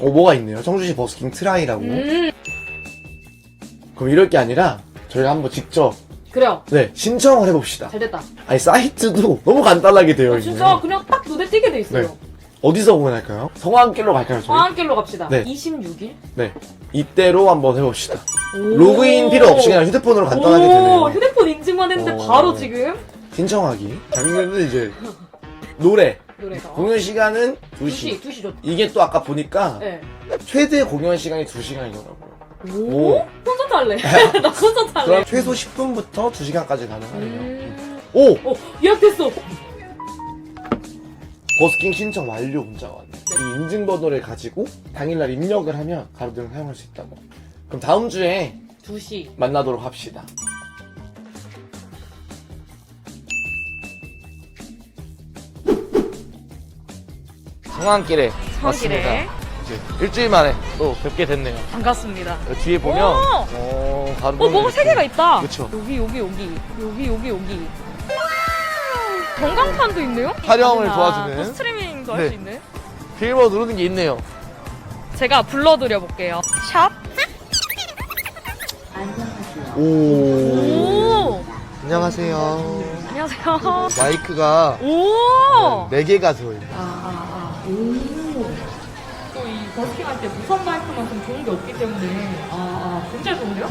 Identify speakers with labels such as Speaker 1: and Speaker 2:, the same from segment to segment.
Speaker 1: 뭐가 있네요. 청주시 버스킹 트라이라고. 그럼 이럴 게 아니라 저희가 한번 직접
Speaker 2: 그래요.
Speaker 1: 네 신청을 해봅시다.
Speaker 2: 잘 됐다.
Speaker 1: 아니 사이트도 너무 간단하게 되어 있네요.
Speaker 2: 진짜 그냥 딱 눈에 띄게 돼 있어요.
Speaker 1: 네. 어디서 공연할까요? 성황길로 갈까요 저희?
Speaker 2: 성황길로 갑시다.
Speaker 1: 네.
Speaker 2: 26일?
Speaker 1: 네 이때로 한번 해봅시다. 로그인 필요 없이 그냥 휴대폰으로 간단하게 되네요.
Speaker 2: 휴대폰 인증만 했는데 바로 지금
Speaker 1: 신청하기. 장면은 이제 노래가 공연 시간은 2시.
Speaker 2: 2시 좋다.
Speaker 1: 이게 또 아까 보니까
Speaker 2: 네.
Speaker 1: 최대 공연 시간이 2시간이더라고요.
Speaker 2: 오? 콘서트 할래. 나 콘서트 할래.
Speaker 1: 그럼 최소 10분부터 2시간까지 가능하네요.
Speaker 2: 예약됐어.
Speaker 1: 버스킹 신청 완료 문자가 왔네. 이 인증번호를 가지고 당일날 입력을 하면 가로등을 사용할 수 있다고. 그럼 다음 주에
Speaker 2: 2시.
Speaker 1: 만나도록 합시다. 성황길에 왔습니다. 이제 일주일 만에 또 뵙게 됐네요.
Speaker 2: 반갑습니다.
Speaker 1: 뒤에 보면 가로등
Speaker 2: 뭐가 3개가 있다.
Speaker 1: 그쵸.
Speaker 2: 여기. 전광판도 있네요?
Speaker 1: 촬영을 도와주는.
Speaker 2: 또 스트리밍도 할
Speaker 1: 네.
Speaker 2: 수 있네.
Speaker 1: 빌보 누르는 게 있네요.
Speaker 2: 제가 불러드려 볼게요. 샵.
Speaker 1: 오. 안녕하세요.
Speaker 2: 안녕하세요.
Speaker 1: 마이크가
Speaker 2: 오.
Speaker 1: 4개가 들어있네요.
Speaker 2: 또 이 버스킹 할 때 무선 마이크만큼 좋은 게 없기 때문에 진짜 좋은데요?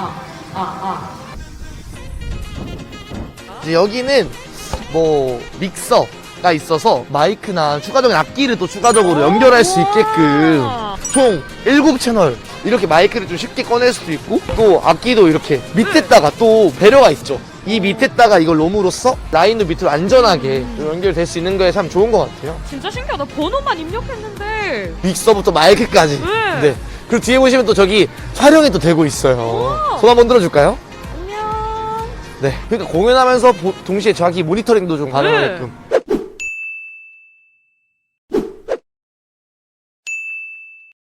Speaker 1: 이제 여기는 뭐 믹서가 있어서 마이크나 추가적인 악기를 또 추가적으로 연결할 수 있게끔 총 7채널 이렇게 마이크를 좀 쉽게 꺼낼 수도 있고 또 악기도 이렇게 밑에다가 또 배려가 있죠. 이 밑에다가 이걸 롬으로써 라인도 밑으로 안전하게 좀 연결될 수 있는 거에 참 좋은 것 같아요.
Speaker 2: 진짜 신기하다. 번호만 입력했는데.
Speaker 1: 믹서부터 마이크까지.
Speaker 2: 네.
Speaker 1: 그리고 뒤에 보시면 또 저기 촬영이 또 되고 있어요. 손 한번 들어줄까요?
Speaker 2: 안녕.
Speaker 1: 네. 그러니까 공연하면서 동시에 자기 모니터링도 좀 가능하게끔.